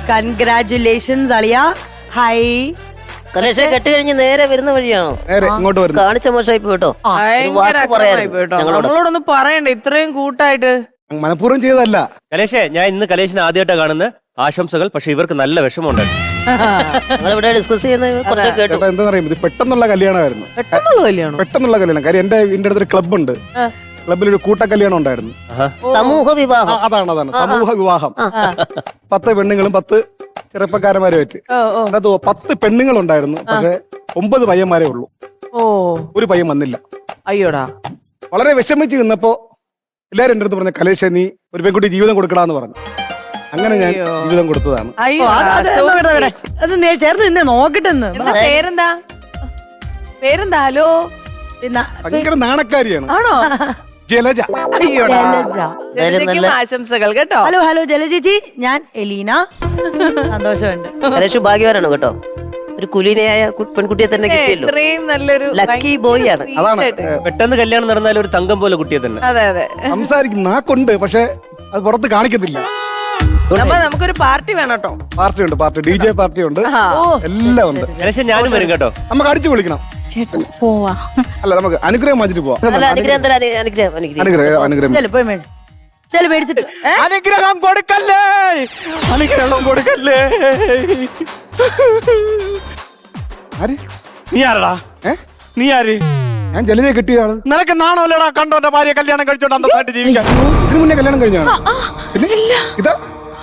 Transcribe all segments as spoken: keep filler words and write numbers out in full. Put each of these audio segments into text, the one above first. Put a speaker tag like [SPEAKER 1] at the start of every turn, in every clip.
[SPEAKER 1] Congratulations അളിയ. Hi.
[SPEAKER 2] കലേഷെ കെട്ട് കഴിഞ്ഞ് നേരെ വരുന്ന വഴിയാണോ?
[SPEAKER 3] നേരെ ഇങ്ങോട്ട് വരുന്നു.
[SPEAKER 2] കാണിച്ച മോശമായി പോയിട്ടോ.
[SPEAKER 4] നമ്മളോടൊന്നും പറയണ്ട ഇത്രയും കൂട്ടായിട്ട്.
[SPEAKER 3] മനഃപൂർവ്വം ചെയ്തതല്ല.
[SPEAKER 5] കലേഷേ, ഞാൻ ഇന്ന് കലേഷിനെ ആദ്യമായിട്ടാണ് കാണുന്നത്. ആശംസകൾ. പക്ഷെ ഇവർക്ക് നല്ല വിഷമമുണ്ട്.
[SPEAKER 2] ഞങ്ങളിവിടെ ഡിസ്കസ് ചെയ്യുന്നത് കുറച്ച് കേട്ടു.
[SPEAKER 3] എന്താ പറയുക, ഇത് പെട്ടെന്നുള്ള കല്യാണമായിരുന്നു.
[SPEAKER 4] പെട്ടെന്നുള്ള കല്യാണം
[SPEAKER 3] പെട്ടെന്നുള്ള കല്യാണം. കാര്യം എന്റെ വീടിന്റെ അടുത്തൊരു ക്ലബ് ഉണ്ട്. ക്ലബിൽ ഒരു കൂട്ട കല്യാണം ഉണ്ടായിരുന്നു.
[SPEAKER 2] സമൂഹ വിവാഹം.
[SPEAKER 3] അതാണ് അതാണ് സമൂഹ വിവാഹം. പത്ത് പെണ്ണുങ്ങളും പത്ത് ചെറുപ്പക്കാരന്മാരുമായിട്ട്. അതിനകത്ത് പത്ത് പെണ്ണുങ്ങളുണ്ടായിരുന്നു. പക്ഷെ ഒമ്പത് പയ്യന്മാരേ ഉള്ളൂ.
[SPEAKER 4] ഓ,
[SPEAKER 3] ഒരു പയ്യൻ വന്നില്ല.
[SPEAKER 4] അയ്യോടാ.
[SPEAKER 3] വളരെ വിഷമിച്ച് നിന്നപ്പോ എല്ലാരും എന്റെ അടുത്ത് പറഞ്ഞു, കലേഷ നീ ഒരു പെൺകുട്ടി ജീവിതം കൊടുക്കടാന്ന് പറഞ്ഞു. അങ്ങനെ ഞാൻ ജീവിതം കൊടുത്തതാണ്.
[SPEAKER 1] അത് ചേർന്ന് നിന്നെ നോക്കട്ടെന്ന്.
[SPEAKER 4] പേരെന്താ? പേരെന്താ? ഹലോ.
[SPEAKER 3] ഭയങ്കര നാണക്കാരിയാണ്.
[SPEAKER 4] ആണോ?
[SPEAKER 3] ജലജ.
[SPEAKER 4] ആശംസകൾ കേട്ടോ.
[SPEAKER 1] ഹലോ ഹലോ ജല ചേച്ചി, ഞാൻ എലീന. സന്തോഷമുണ്ട്.
[SPEAKER 2] കലേഷ് ഭാഗ്യവാനാണ് കേട്ടോ. ഒരു കുലീനയായ പെൺകുട്ടിയെ തന്നെ കിട്ടിയല്ലോ.
[SPEAKER 4] ഇത്രയും നല്ലൊരു
[SPEAKER 2] ലക്കി ബോയ് ആണ്.
[SPEAKER 3] അതാണ്
[SPEAKER 5] പെട്ടെന്ന് കല്യാണം നടന്നാലും ഒരു തങ്കം പോലെ കുട്ടിയെ തന്നെ.
[SPEAKER 4] അതെ അതെ.
[SPEAKER 3] സംസാരിക്കും, നാക്കുണ്ട്, പക്ഷെ അത് പുറത്ത് കാണിക്കത്തില്ല.
[SPEAKER 4] അപ്പൊ നമുക്കൊരു പാർട്ടി വേണം കേട്ടോ.
[SPEAKER 3] പാർട്ടി ഉണ്ട്, പാർട്ടി ഡി ജെ പാർട്ടി ഉണ്ട്, എല്ലാം ഉണ്ട്.
[SPEAKER 5] കലേഷ് ഞാനും വരും കേട്ടോ.
[SPEAKER 3] നമുക്ക് അടിച്ചു വിളിക്കണം.
[SPEAKER 1] പോവാ.
[SPEAKER 3] അല്ല, നമുക്ക് അനുഗ്രഹം വാങ്ങിച്ചിട്ട് പോവാം.
[SPEAKER 2] അനുഗ്രഹം തരാം. അനുഗ്രഹം അനുഗ്രഹം
[SPEAKER 3] അനുഗ്രഹം അനുഗ്രഹം
[SPEAKER 1] ചെല് പോയി മേടിച്ചു. ചെല് മേടിച്ചിട്ട്.
[SPEAKER 5] അനുഗ്രഹം കൊടുക്കല്ലേ, അനുഗ്രഹം കൊടുക്കല്ലേ.
[SPEAKER 3] ആര്?
[SPEAKER 5] നീ ആരടാ?
[SPEAKER 3] ഏ
[SPEAKER 5] നീ ആര്?
[SPEAKER 3] ഞാൻ ജലജയെ കിട്ടിയ ആള്.
[SPEAKER 5] നിനക്ക് നാണോല്ലടാ കണ്ടോന്റെ ഭാര്യ കല്യാണം കഴിച്ചോണ്ട് അന്തസ്സായിട്ട് ജീവിക്കാൻ?
[SPEAKER 3] ഇതിനു മുന്നേ കല്യാണം കഴിഞ്ഞാണ്. ഇതാ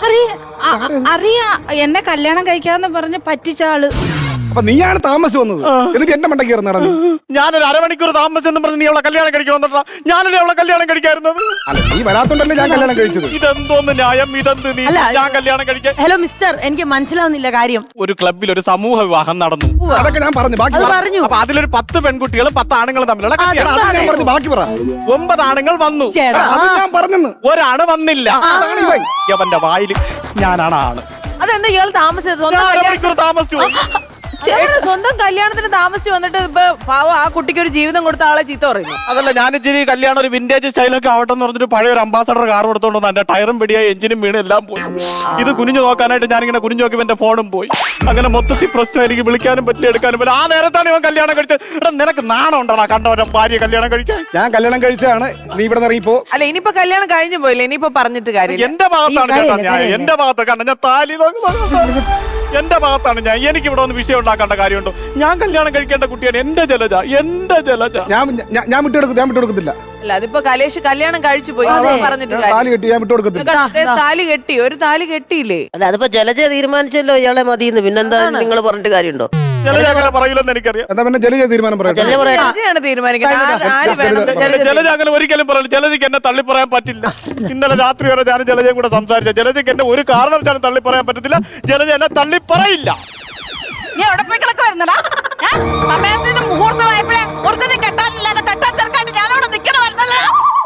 [SPEAKER 6] അറിയാ എന്നെ കല്യാണം കഴിക്കാന്ന് പറഞ്ഞ് പറ്റിച്ച ആള്.
[SPEAKER 3] അപ്പൊ നീയാണ് താമസിച്ച് വന്നത്. എന്നിട്ട് എന്റെ മണ്ടയ്ക്ക് കയറി നടന്നു.
[SPEAKER 5] ഞാനൊരു അരമണിക്കൂർ താമസിച്ചെന്ന് പറഞ്ഞ് നീ അവളെ കല്യാണം കഴിക്കണമെന്നാ? ഞാനല്ലേ അവളെ കല്യാണം കഴിക്കാറുന്നത്?
[SPEAKER 3] അല്ല, നീ വരാത്തോണ്ടല്ലേ ഞാൻ കല്യാണം കഴിച്ചത്.
[SPEAKER 5] ഇതെന്തോന്ന് ന്യായം? ഇതെന്ത് നീ ഞാൻ കല്യാണം കഴിക്കാൻ?
[SPEAKER 1] ഹലോ മിസ്റ്റർ, എനിക്ക് മനസ്സിലാവുന്നില്ല കാര്യം.
[SPEAKER 5] ഒരു ക്ലബിൽ ഒരു സമൂഹ വിവാഹം നടന്നു.
[SPEAKER 3] അതൊക്കെ ഞാൻ പറഞ്ഞു. ബാക്കി പറ.
[SPEAKER 1] പറഞ്ഞു.
[SPEAKER 5] അപ്പൊ അതിലൊരു പത്ത് പെൺകുട്ടികളും പത്ത് ആണുങ്ങളും തമ്മിലുള്ള കല്യാണം.
[SPEAKER 3] അത് ഞാൻ പറഞ്ഞു. ബാക്കി പറ.
[SPEAKER 5] ഒമ്പത് ആണുങ്ങൾ വന്നു.
[SPEAKER 3] അത് ഞാൻ പറഞ്ഞെന്ന്.
[SPEAKER 5] ഒരാണ് വന്നില്ല. അവന്റെ വായിൽ ഞാനാണ് ആണ്.
[SPEAKER 4] അതെന്താ ഇയാൾ താമസിച്ചത്?
[SPEAKER 5] അരമണിക്കൂർ താമസിച്ചു.
[SPEAKER 4] സ്വന്തം കല്യാണത്തിന് താമസിച്ച് വന്നിട്ട് ഇപ്പൊ പാവം ആ കുട്ടിക്ക് ഒരു ജീവിതം കൊടുത്ത ആളെ ചീത്ത പറയുന്നു.
[SPEAKER 5] അതല്ല, ഞാൻ ഇച്ചിരി കല്യാണം ഒരു വിന്റേജ് സ്റ്റൈലൊക്കെ ആവട്ടെ എന്ന് പറഞ്ഞിട്ട് പഴയ ഒരു അംബാസഡർ കാർ കൊടുത്തോണ്ട് എന്റെ ടയറും പിടിയായി എഞ്ചിനും വീണ് എല്ലാം പോയി. ഇത് കുനിഞ്ഞു നോക്കാനായിട്ട് ഞാനിങ്ങനെ കുനിഞ്ഞു നോക്കി എന്റെ ഫോണും പോയി. അങ്ങനെ മൊത്തത്തിൽ പ്രശ്നം. എനിക്ക് വിളിക്കാനും പറ്റില്ല, എടുക്കാനും പറ്റില്ല. ആ നേരത്താണ് ഇവൻ കല്യാണം കഴിച്ചത്. എടാ, നിനക്ക് നാണം ഉണ്ടാ കണ്ടവരെ ഭാര്യ കല്യാണം കഴിക്കാൻ?
[SPEAKER 3] ഞാൻ കല്യാണം കഴിച്ചാണ്. നീ ഇവിടെ ഇറങ്ങിപ്പോ.
[SPEAKER 4] അല്ല, ഇനിയിപ്പോ കല്യാണം കഴിഞ്ഞു പോയില്ല. ഇനിയിപ്പോ പറഞ്ഞിട്ട് കാര്യം.
[SPEAKER 5] എന്റെ ഭാഗത്താണ് കേട്ടോ ഞാൻ. എന്റെ ഭാഗത്ത് കണ്ട ഞാൻ താലി എന്റെ ഭാഗത്താണ് ഞാൻ. എനിക്ക് ഇവിടെ ഒന്ന് വിഷയം ഉണ്ടാക്കേണ്ട കാര്യമുണ്ടോ? ഞാൻ കല്യാണം കഴിക്കേണ്ട കുട്ടിയാണ് എന്റെ ജലജ, എന്റെ ജലജ.
[SPEAKER 3] ഞാൻ ഞാൻ വിട്ടുകൊടുക്കും. ഞാൻ വിട്ടുകൊടുക്കത്തില്ല.
[SPEAKER 4] അല്ല, അതിപ്പോ കലേഷ് കല്യാണം കഴിച്ചു പോയി പറഞ്ഞിട്ട്
[SPEAKER 3] താലി കെട്ടി ഞാൻ വിട്ടുകൊടുക്കത്തില്ല.
[SPEAKER 4] താലി കെട്ടി, ഒരു താലി കെട്ടിയില്ലേ?
[SPEAKER 2] അല്ല, അതിപ്പോ ജലജ തീരുമാനിച്ചല്ലോ ഇയാളെ മതിയെന്ന്. പിന്നെന്താ നിങ്ങൾ പറഞ്ഞിട്ട് കാര്യമുണ്ടോ?
[SPEAKER 5] ജലജ അങ്ങനെ പറയില്ലെന്ന് എനിക്കറിയാം.
[SPEAKER 3] എന്താ പിന്നെ ജലജ തീരുമാനം പറയാം.
[SPEAKER 4] ജലജയാണ് തീരുമാനിക്കുന്നത്.
[SPEAKER 5] ജലജ അങ്ങനെ ഒരിക്കലും പറയില്ല. ജലജയ്ക്ക് എന്നെ തള്ളി പറയാൻ പറ്റില്ല. ഇന്നലെ രാത്രി വരെ ഞാൻ ജലജയും കൂടെ സംസാരിച്ച. ജലജയ്ക്ക് എന്നെ ഒരു കാരണവശാലും തള്ളി പറയാൻ പറ്റത്തില്ല. ജലജ എന്നെ തള്ളി പറയില്ല.
[SPEAKER 6] നീ എവിടെ പോയി കിടക്ക് വരുന്നടാ? സമയത്തിന് മുഹൂർത്തമായപ്പോഴേ ഒരുത്തനെ കെട്ടാനില്ലാതെ കെട്ടാൻ ചെറുക്കായിട്ട് ഞാനവിടെ നിൽക്കണ വരുന്നല്ലോ.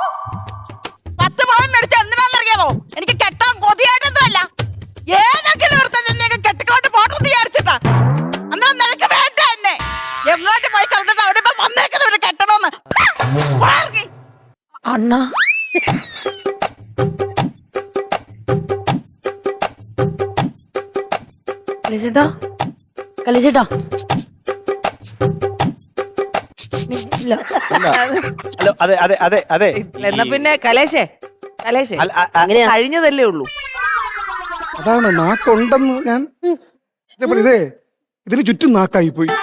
[SPEAKER 6] പത്ത് പവൻ മേടിച്ച എന്തിനാന്നറിയാമോ? എനിക്ക് കെട്ടാൻ കൊതിയായിട്ടൊന്നുമല്ല. ഏതെങ്കിലും ഒരുത്തന്നെ കെട്ടിക്കൊണ്ട് പോട്ടെന്ന് വിചാരിച്ചിട്ടാ. എന്നാ നിനക്ക് വേണ്ട എന്നെ. എങ്ങോട്ട് പോയി കിടന്നിട്ട് അവിടെ ഇപ്പൊ വന്നേക്കുന്നവര് കെട്ടണോന്ന്
[SPEAKER 1] അണ്ണ. കലിച്ചേട്ടാ, കലിച്ചേട്ടാ.
[SPEAKER 5] ഹലോ, അതെ അതെ അതെ അതെ.
[SPEAKER 4] എന്നാ പിന്നെ കലേഷേ, കലേഷേ കഴിഞ്ഞതല്ലേ ഉള്ളൂ.
[SPEAKER 3] അതാണ് നാക്കുണ്ടെന്ന് ഞാൻ ഇതേ ഇതിന് ചുറ്റും നാക്കായി പോയി.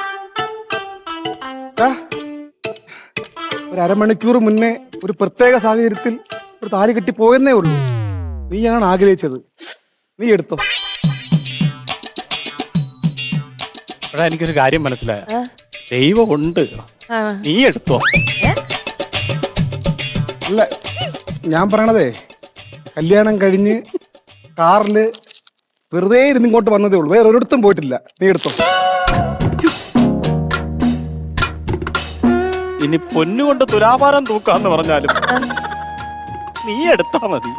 [SPEAKER 3] ഒരു അരമണിക്കൂർ മുന്നേ ഒരു പ്രത്യേക സാഹചര്യത്തിൽ ഒരു താലി കെട്ടി പോയെന്നേ ഉള്ളൂ. നീയാണ് ആഗ്രഹിച്ചത്. നീ എടുത്തോ.
[SPEAKER 5] എടാ, എനിക്കൊരു കാര്യം മനസ്സിലായ. ദൈവം ഉണ്ട്, നീ എടുത്തോ.
[SPEAKER 3] അല്ല, ഞാൻ പറയണതേ, കല്യാണം കഴിഞ്ഞ് കാറില് വെറുതെ ഇരുന്ന് ഇങ്ങോട്ട് വന്നതേ ഉള്ളൂ. വേറെ ഒരിടത്തും പോയിട്ടില്ല. നീ എടുത്തോ.
[SPEAKER 5] ഇനി പൊന്നുകൊണ്ട് തുലാഭാരം തൂക്കാന്ന് പറഞ്ഞാലും നീ എടുത്താ മതി.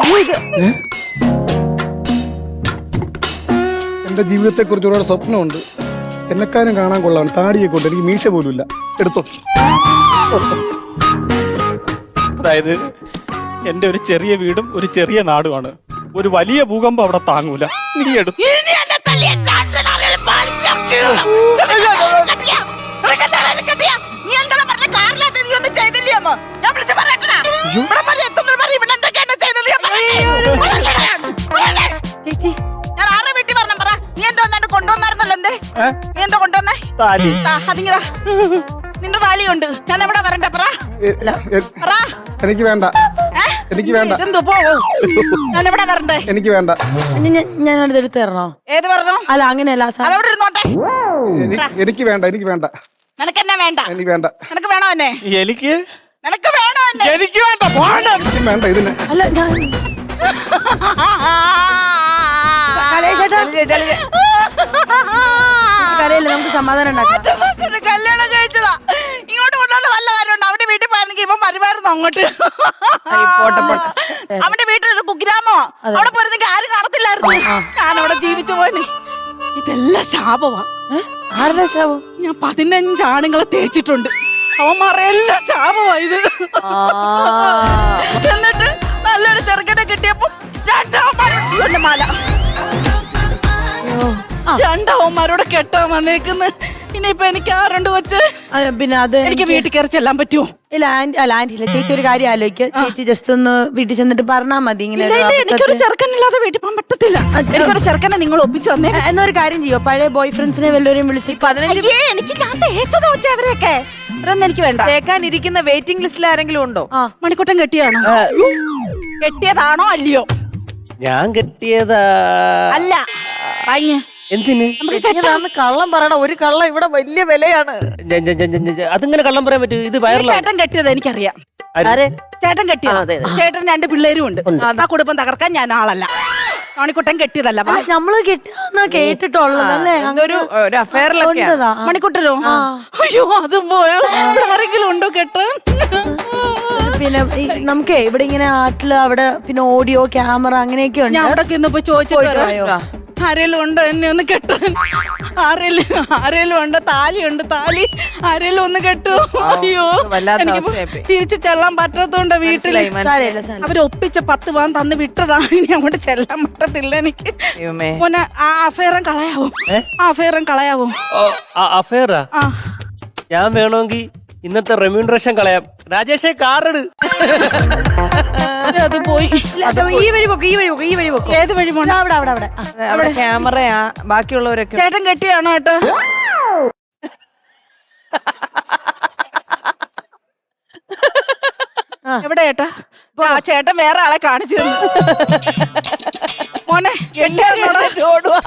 [SPEAKER 3] എന്റെ ജീവിതത്തെ കുറിച്ച് ഒരുപാട് സ്വപ്നമുണ്ട്. എന്നെക്കാനും കാണാൻ കൊള്ളാണ്. താടിയെ കൊണ്ട് എനിക്ക് മീശ പോലും ഇല്ല. എടുത്തോ.
[SPEAKER 5] അതായത് എന്റെ ഒരു ചെറിയ വീടും ഒരു ചെറിയ നാടുമാണ്. ഒരു വലിയ ഭൂകമ്പം അവിടെ താങ്ങൂല. നീ എടുത്തു
[SPEAKER 6] ഇനി എന്നെ തല്ലിയ കാഞ്ചന അറിയാൻ പാടില്ല. കെട്ടിയാ? നിനക്ക് എന്താണ് എന്നെ കെട്ടിയാ? നീ എന്താണ് പറഞ്ഞ കാറിനകത്ത് നീ ഒന്നും ചെയ്തില്ലയോന്ന്? ഞാൻ വിളിച്ച് പറയട്ടെടാ. ഇവിടെ പറഞ്ഞ എത്തുന്നത് പറഞ്ഞ് ഇവിടെ എന്തൊക്കെയാണ് ചെയ്തത് ഞാൻ പറയട്ടെ.
[SPEAKER 1] ചേച്ചി
[SPEAKER 6] ഞാൻ ആരുടെ വീട്ടിൽ പറഞ്ഞ പറ. നീ എന്തോ എന്താണ്ട് കൊണ്ടുവന്നായിരുന്നല്ലോ. എന്തേ നീ എന്തോ കൊണ്ടുവന്നേ?
[SPEAKER 5] താലി.
[SPEAKER 6] അതിങ്ങതാ നിന്റെ താലിയുണ്ട്. ഞാൻ എവിടെ വരണ്ട പറ.
[SPEAKER 3] എ- എ-
[SPEAKER 6] പറ.
[SPEAKER 3] എനിക്ക് വേണ്ട,
[SPEAKER 6] ഏ?
[SPEAKER 3] എനിക്ക് വേണ്ട,
[SPEAKER 6] ഇതെന്തോ പോ. ഞാൻ എവിടെ വരണ്ടേ?
[SPEAKER 3] എനിക്ക് വേണ്ട,
[SPEAKER 1] ഇനി ഞാൻ- ഞാൻ അടുത്ത് എടുത്ത് തരണോ?
[SPEAKER 6] ഏത് പറഞ്ഞോ?
[SPEAKER 1] അല്ല അങ്ങനെയല്ല സാർ.
[SPEAKER 6] അതെവിടെ ഇരുന്നോട്ടെ.
[SPEAKER 3] എനി- എനിക്ക് വേണ്ട, എനിക്ക് വേണ്ട,
[SPEAKER 6] നിനക്ക് എന്നെ വേണ്ട.
[SPEAKER 3] എനിക്ക് വേണ്ട,
[SPEAKER 6] നിനക്ക് വേണോ എന്നെ?
[SPEAKER 5] എനിക്ക്
[SPEAKER 6] നിനക്ക് വേണോ എന്നെ?
[SPEAKER 5] എനിക്ക് വേണ്ട. പോണം.
[SPEAKER 3] എനിക്ക് വേണ്ട ഇതിന്.
[SPEAKER 1] അല്ല ഞാൻ കലയേച്ചേട്ടാ കലയില്ല, നമുക്ക് സമാധാനം ഉണ്ടാക്കാം.
[SPEAKER 6] ഒറ്റ കല്യാണം കഴിച്ചതാ. ഇങ്ങോട്ട് കൊണ്ടുവന്ന വല്ല കാര്യമുണ്ട്. അവന്റെ വീട്ടിൽ പോയിരുന്നെങ്കിൽ ഇവൻ പരിമാറുന്നു അങ്ങോട്ട്. അവന്റെ വീട്ടിലൊരു കുഗ്രാമോ അവിടെ പോയിരുന്നെങ്കിൽ ആരും കാണത്തില്ലായിരുന്നു. ഞാൻ അവിടെ ജീവിച്ചു പോയിന്. ഇതെല്ലാം ശാപമാ.
[SPEAKER 1] ആരുടെ ശാപം?
[SPEAKER 6] ഞാൻ പതിനഞ്ച് ആണുങ്ങളെ തേച്ചിട്ടുണ്ട്. അവന്മാരെല്ലാം ശാപമാ ഇത്. എന്നിട്ട് നല്ലൊരു ചെറുക്കനെ കിട്ടിയപ്പോ രണ്ടാവന്മാരുടെ മാല രണ്ടാവന്മാരോട് കെട്ടാൻ വന്നേക്കുന്നു. ഇനിയിപ്പൊ എനിക്ക് ആരുണ്ട് വെച്ച്
[SPEAKER 1] ആ, പിന്നെ അത്
[SPEAKER 6] എനിക്ക് വീട്ടിൽ കയറി ചെല്ലാൻ പറ്റുമോ?
[SPEAKER 1] ഇല്ല ആന്റി അല്ല ആന്റി ഇല്ല ചേച്ചി ഒരു കാര്യം ആലോചിക്കുക. ചേച്ചി ജസ്റ്റ് ഒന്ന് വീട്ടിൽ ചെന്നിട്ട് പറഞ്ഞാൽ മതി ഇങ്ങനെ
[SPEAKER 6] ഇല്ല,
[SPEAKER 1] ഒരു
[SPEAKER 6] ഇല്ല, എനിക്കൊരു
[SPEAKER 1] അബദ്ധത്തിൽ.
[SPEAKER 6] ചെറുക്കനില്ലാതെ വീട്ടിൽ പോകാൻ പറ്റത്തില്ല. എനിക്കൊരു ചെറുക്കനെ നിങ്ങൾ ഒപ്പിച്ചു തന്നേ.
[SPEAKER 1] ആ, എന്നാ ഒരു കാര്യം ചെയ്യോ, പഴയ ബോയ് ഫ്രണ്ട്സിനെ വല്ലവരെയും വിളിച്ച്
[SPEAKER 6] അയ്യേ, എനിക്ക് ഞാൻ തേച്ചതാ വെച്ച അവരെയൊക്കെ. ഇവരൊന്നും എനിക്ക് വേണ്ട.
[SPEAKER 4] കേൾക്കാനിരിക്കുന്ന വെയിറ്റിംഗ് ലിസ്റ്റിൽ ആരെങ്കിലും ഉണ്ടോ?
[SPEAKER 1] ആ
[SPEAKER 6] മണിക്കൂട്ടൻ കെട്ടിയാണോ? കെട്ടിയതാണോ അല്ലയോ?
[SPEAKER 2] ഞാൻ കെട്ടിയതാ.
[SPEAKER 6] അല്ല പയ്യ
[SPEAKER 2] എന്തിന്?
[SPEAKER 4] ഇതാന്ന് കള്ളം പറയണ. ഒരു കള്ളം ഇവിടെ വലിയ വിലയാണ്.
[SPEAKER 2] ഞ- ഞ- ഞ- ഞ- ഞ- അതിങ്ങനെ കള്ളം പറയാൻ പറ്റൂ? ഇത് വയറിലാണ്.
[SPEAKER 6] ചേട്ടൻ കെട്ടിയത് എനിക്കറിയാം.
[SPEAKER 2] ആര്?
[SPEAKER 6] ചേട്ടൻ കെട്ടിയത്. ചേട്ടൻ രണ്ട് പിള്ളേരും ഉണ്ട്. ആ കുടുംബം തകർക്കാൻ ഞാൻ ആളല്ല. മണിക്കുട്ടൻ കെട്ടിയതല്ല. വാ.
[SPEAKER 1] നമ്മള് കെട്ടിയെന്നാ കേട്ടിട്ടുള്ളത് അല്ലേ?
[SPEAKER 4] എന്തൊരു ഒരു അഫയറിലൊക്കെ
[SPEAKER 1] ഉണ്ടതാ. ആ.
[SPEAKER 6] മണിക്കുട്ടനോ? അയ്യോ അതും പോയോ? ഇവിടെ ആരെങ്കിലും ഉണ്ടോ കെട്ടാൻ?
[SPEAKER 1] പിന്നെ ഈ നമുക്കേ ഇവിടെ ഇങ്ങനെ ആട്ടില് അവിടെ പിന്നെ ഓഡിയോ ക്യാമറ അങ്ങനെയൊക്കെ ഉണ്ട്.
[SPEAKER 6] ഞാൻ അവിടെ ഇന്നിപ്പോ ചോദിച്ചിട്ട്
[SPEAKER 1] പോയിട്ട്
[SPEAKER 6] വരാം.
[SPEAKER 1] വായോ?
[SPEAKER 6] ആരേലും ഉണ്ടോ എന്നെ ഒന്ന് കെട്ടാൻ? ആരേലും ആരേലും ഉണ്ടോ? താലിയുണ്ട്, താലി ആരേലും ഒന്ന് കെട്ടു. അയ്യോ
[SPEAKER 4] വല്ലാത്ത
[SPEAKER 6] എനിക്ക്
[SPEAKER 4] അവസ്ഥയായിപ്പോയി.
[SPEAKER 6] തിരിച്ചു ചെല്ലാൻ പറ്റത്തോണ്ട് വീട്ടില്.
[SPEAKER 1] സാരമില്ല സാരമില്ല.
[SPEAKER 6] അവര് ഒപ്പിച്ച പത്ത് പാൻ തന്ന് വിട്ടതാ. ഇനി അങ്ങോട്ട് ചെല്ലാൻ പറ്റത്തില്ല എനിക്ക്.
[SPEAKER 4] ദൈവമേ.
[SPEAKER 6] മോനെ ആ അഫയറും കളയാവോ? ആ അഫയറും കളയാവോ?
[SPEAKER 2] അഫയറാ?
[SPEAKER 6] ആ
[SPEAKER 2] ഞാൻ വേണമെങ്കിൽ ഇന്നത്തെ റെമ്യൂണറേഷൻ കളയാം. രാജേഷേ കാറെടു.
[SPEAKER 6] അത് അത് പോയി.
[SPEAKER 1] ഇല്ല, അത് ഈ വഴി പോക്ക് ഈ വഴി പോക്ക് ഈ വഴി പോക്ക്.
[SPEAKER 6] ഏത് വഴി പോണ?
[SPEAKER 1] ദാ അവിടെ അവിടെ അവിടെ ആ.
[SPEAKER 4] അവിടെ ക്യാമറയാ. ബാക്കിയുള്ളവരൊക്കെ
[SPEAKER 6] ചേട്ടൻ കെട്ടിയാണോ ഏട്ടാ? എവിടെ ഏട്ടാ? ആ ചേട്ടൻ വേറെ ആളെ കാണിച്ചു തന്നു. മോനെ കെട്ടിയാണോടാ?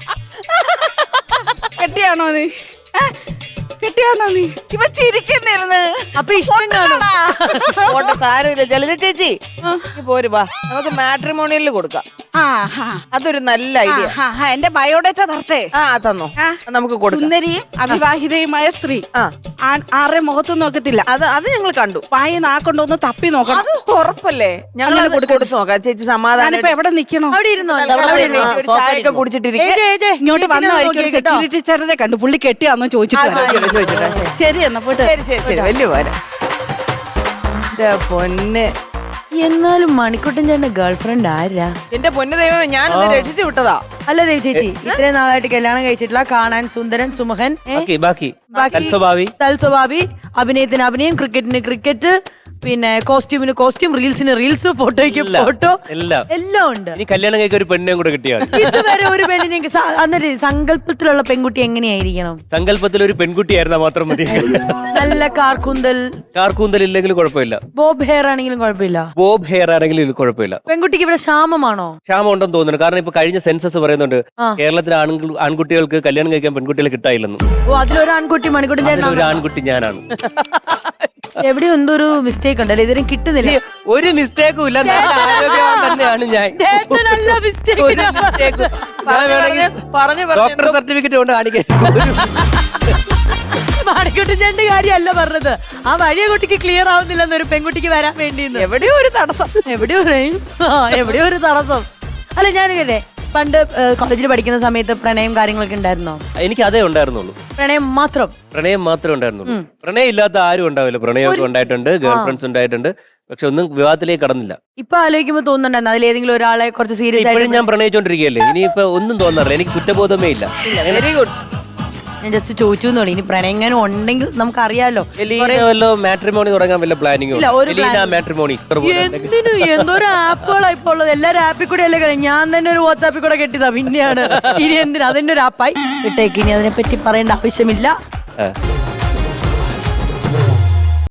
[SPEAKER 6] കെട്ടിയാണോ നീ? ഏ? കെട്ടിയാണോ നീ? ഇവ ചിരിക്കുന്നിരുന്ന്.
[SPEAKER 1] അപ്പൊ ഇഷ്ടം കാണും.
[SPEAKER 4] പോട്ടെ, സാരമില്ല. ജലജ ചേച്ചി നീ പോര് വാ, നമുക്ക് മാട്രിമോണിയലിൽ കൊടുക്കാം.
[SPEAKER 6] ആ ഹാ
[SPEAKER 4] അതൊരു നല്ല ഐഡിയ.
[SPEAKER 6] ആ, ആ, എന്റെ ബയോഡേറ്റ തരട്ടെ.
[SPEAKER 4] ആ തന്നോ,
[SPEAKER 6] ആ.
[SPEAKER 4] അത് നമുക്ക് കൊടുക്കാം.
[SPEAKER 6] സുന്ദരിയും അവിവാഹിതയുമായ സ്ത്രീ.
[SPEAKER 4] ആ.
[SPEAKER 6] ആ- ആരുടെയും മുഖത്തും നോക്കത്തില്ല.
[SPEAKER 4] അത് അത് ഞങ്ങൾ കണ്ടു.
[SPEAKER 6] വായി നാക്കൊണ്ടൊന്ന് തപ്പി നോക്കണം.
[SPEAKER 4] അത് ഉറപ്പല്ലേ? ഞങ്ങൾ
[SPEAKER 6] അങ്ങനെ
[SPEAKER 4] അത്
[SPEAKER 6] കൊടുക്കാം.
[SPEAKER 4] കൊടുത്തു നോക്കാം. ചേച്ചി സമാധാനം.
[SPEAKER 6] ഞാനിപ്പോ എവിടെ നിക്കണോ?
[SPEAKER 1] അവിടെ ഇരുന്നോ
[SPEAKER 4] അവിടെ ഇരുന്ന് ഒരു ചായയൊക്കെ കുടിച്ചിട്ടിരിക്കും.
[SPEAKER 1] ഏജ്, ഏജ്,
[SPEAKER 6] ഇങ്ങോട്ട് വന്ന
[SPEAKER 1] ഇങ്ങനെ
[SPEAKER 6] വഴിക്ക് ഒരു
[SPEAKER 1] നോക്കി കേട്ടോ.
[SPEAKER 6] സെക്യൂരിറ്റി ചേട്ടനെ കണ്ടു. പുള്ളി കെട്ടിയാന്നോ ചോദിച്ചിട്ട് വരാം. ശരി എന്നാ പോട്ടെ.
[SPEAKER 4] ശരി ശരി ശരി വലിയ പോരാ. എന്റെ പൊന്ന്,
[SPEAKER 1] എന്നാലും മണിക്കുട്ടൻ ചേട്ടന്റെ ഗേൾഫ്രണ്ട് ആരാ?
[SPEAKER 4] എന്റെ പൊന്ന് ദൈവമേ, ഞാനത് രക്ഷിച്ചു വിട്ടതാ.
[SPEAKER 1] അല്ല ദേവ് ചേച്ചി, ഇത്രയും നാളായിട്ട് കല്യാണം കഴിച്ചിട്ടില്ല, കാണാൻ സുന്ദരൻ സുമുഖൻ, ഏ?
[SPEAKER 2] ബാക്കി ബാക്കി
[SPEAKER 1] ബാക്കി
[SPEAKER 2] തൽസ്വഭാവി.
[SPEAKER 1] സൽസ്വഭാവി, അഭിനയത്തിന് അഭിനയം, ക്രിക്കറ്റിന് ക്രിക്കറ്റ്, പിന്നെ കോസ്റ്റ്യൂമിന് കോസ്റ്റ്യൂം, റീൽസിന് റീൽസ്, ഫോട്ടോയ്ക്ക്
[SPEAKER 2] എല്ലാം,
[SPEAKER 1] ഫോട്ടോ,
[SPEAKER 2] എല്ലാം.
[SPEAKER 1] എല്ലാം ഉണ്ട്.
[SPEAKER 2] ഇനി കല്യാണം കഴിക്കാൻ ഒരു പെണ്ണിനെയും കൂടെ കിട്ടിയാണ്.
[SPEAKER 1] ഇതുവരെ ഒരു പെണ്ണിനെ അന്നൊരു സങ്കല്പത്തിലുള്ള പെൺകുട്ടി എങ്ങനെയായിരിക്കണം?
[SPEAKER 2] സങ്കല്പത്തിൽ ഒരു പെൺകുട്ടിയായിരുന്നാ മാത്രം മതി.
[SPEAKER 1] നല്ല കാർക്കൂന്തൽ,
[SPEAKER 2] കാർക്കൂന്തൽ ഇല്ലെങ്കിലും കുഴപ്പമില്ല.
[SPEAKER 1] ബോബ് ഹെയർ ആണെങ്കിലും കുഴപ്പമില്ല.
[SPEAKER 2] ബോബ് ഹെയർ ആണെങ്കിലും കുഴപ്പമില്ല.
[SPEAKER 1] പെൺകുട്ടിക്ക് ഇവിടെ ക്ഷാമമാണോ?
[SPEAKER 2] ക്ഷാമം ഉണ്ടെന്ന് തോന്നുന്നു. കാരണം ഇപ്പൊ കഴിഞ്ഞ സെൻസസ് പറയുന്നുണ്ട്
[SPEAKER 1] ആ.
[SPEAKER 2] കേരളത്തിലെ ആണുങ്ങൾ ആൺകുട്ടികൾക്ക് കല്യാണം കഴിക്കാൻ പെൺകുട്ടികളെ കിട്ടായില്ലെന്നും.
[SPEAKER 1] ഓ, അതിലൊരു ആൺകുട്ടി മണിക്കുട്ടൻ ചേട്ടൻ
[SPEAKER 2] ഒരു ആൺകുട്ടി ഞാനാണ്.
[SPEAKER 1] എവിടെയോ എന്തോ ഒരു മിസ്റ്റേക്ക് ഉണ്ടല്ലോ, ഇതിനും കിട്ടുന്നില്ല.
[SPEAKER 2] ഒരു മിസ്റ്റേക്കും ഇല്ല. നല്ല ആരോഗ്യവാൻ തന്നെയാണ് ഞാൻ.
[SPEAKER 1] ചേട്ടനല്ല mistake.
[SPEAKER 2] ഒരു mistake ഉം. ഞാൻ വേണമെങ്കിൽ
[SPEAKER 4] പറഞ്ഞു
[SPEAKER 2] ഡോക്ടർ സർട്ടിഫിക്കറ്റ് കൊണ്ട് കാണിക്കാൻ.
[SPEAKER 1] മണിക്കുട്ടൻ ചേട്ടന്റെ കാര്യമല്ല പറഞ്ഞത്. ആ വഴിയ കുട്ടിക്ക് ക്ലിയർ ആവുന്നില്ലെന്ന് ഒരു പെൺകുട്ടിക്ക് വരാൻ വേണ്ടി
[SPEAKER 4] എവിടെയോ ഒരു തടസ്സം.
[SPEAKER 1] എവിടെയോ ഒരു- ആ, എവിടെയോ ഒരു തടസ്സം. അല്ല ഞാനില്ലേ പണ്ട് കോളേജിൽ പഠിക്കുന്ന സമയത്ത് പ്രണയം കാര്യങ്ങളൊക്കെ ഉണ്ടായിരുന്നോ?
[SPEAKER 2] എനിക്ക് അതേ ഉണ്ടായിരുന്നുള്ളൂ.
[SPEAKER 1] പ്രണയം മാത്രം.
[SPEAKER 2] പ്രണയം മാത്രമേ ഉണ്ടായിരുന്നുള്ളൂ. പ്രണയം ഇല്ലാത്ത ആരും ഉണ്ടാവില്ല. പ്രണയമൊക്കെ ഉണ്ടായിട്ടുണ്ട്, ഗേൾ ഫ്രണ്ട്സ് ഉണ്ടായിട്ടുണ്ട്. പക്ഷെ ഒന്നും വിവാഹത്തിലേക്ക് കടന്നില്ല.
[SPEAKER 1] ഇപ്പൊ ആലോചിക്കുമ്പോ തോന്നുന്നുണ്ടായിരുന്നു അതിലേതെങ്കിലും ഒരാളെ കുറച്ച് സീരിയസ്
[SPEAKER 2] ഇപ്പോഴും
[SPEAKER 1] ആയിട്ട്
[SPEAKER 2] ഞാൻ പ്രണയിച്ചോണ്ടിരിക്കുകയല്ലേ, ഇനിയിപ്പോ ഒന്നും തോന്നാറില്ല, എനിക്ക് കുറ്റബോധമേ ഇല്ല.
[SPEAKER 1] Very good. ഞാൻ ജസ്റ്റ് ചോദിച്ചു എന്നോളൂ. ഇനി പ്രണയങ്ങാനും ഉണ്ടെങ്കിൽ നമുക്കറിയാലോ.
[SPEAKER 2] എലീന വല്ല മാട്രിമോണി തുടങ്ങാൻ വല്ല പ്ലാനിങ്ങോ?
[SPEAKER 1] ഇല്ല, ഒരു
[SPEAKER 2] എലീന
[SPEAKER 1] plan-
[SPEAKER 2] മാട്രിമോണി
[SPEAKER 1] എന്തിനു എന്തോരം ആപ്പുകളാ ഇപ്പൊ ഉള്ളത്. എല്ലാരും ആപ്പിൽ കൂടെ അല്ലേ കളി. ഞാൻ തന്നെ ഒരു വാട്സാപ്പിൽ കൂടെ കെട്ടിയതാ, പിന്നെയാണ് ഇനി എന്തിനാ അതിന്റെ ഒരു ആപ്പായി ഇട്ടേക്ക്. ഇനി അതിനെ പറ്റി പറയേണ്ട ആവശ്യമില്ല.